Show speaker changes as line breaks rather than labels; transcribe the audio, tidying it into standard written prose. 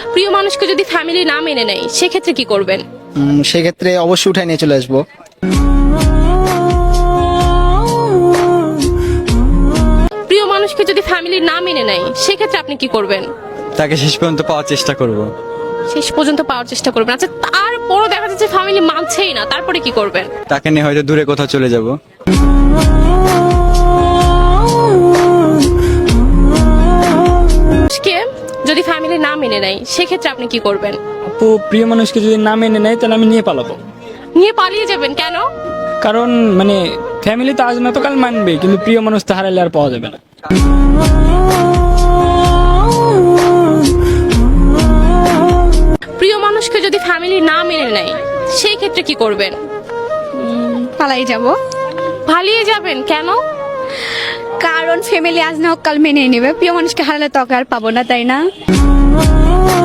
প্রিয় মানুষকে যদি ফ্যামিলি না মেনে নেয় সেক্ষেত্রে কি করবেন?
সেক্ষেত্রে অবশ্যই উঠায় নিয়ে চলে আসবো।
প্রিয় মানুষকে যদি ফ্যামিলি না মেনে নেয় সেক্ষেত্রে আপনি কি করবেন?
তাকে শেষ পর্যন্ত পাওয়ার চেষ্টা করব।
শেষ পর্যন্ত পাওয়ার চেষ্টা করবেন। আচ্ছা, তারপরও দেখা যাচ্ছে ফ্যামিলি মানছেই না, তারপরে কি করবেন?
তাকে নিয়ে হয়তো দূরে কোথাও চলে যাব।
মানুষকে যদি ফ্যামিলি না মেনে নেয় সেক্ষেত্রে আপনি কি করবেন?
আপু, প্রিয় মানুষকে যদি না মেনে নেয় তাহলে আমি নিয়ে পালাবো।
নিয়ে পালিয়ে যাবেন কেন?
কারণ মানে ফ্যামিলি তো আজ না তো কাল মানবে, কিন্তু প্রিয় মানুষ তো হারালে আর পাওয়া যাবে না।
প্রিয় মানুষকে যদি ফ্যামিলি না মেনে নেয় সেই ক্ষেত্রে কি করবেন?
পালাই যাব।
পালিয়ে যাবেন কেন?
কারণ ফ্যামিলি আজ না হোক কাল মেনে নেবে, প্রিয় মানুষকে হারালে তো আর পাবো না, তাই না?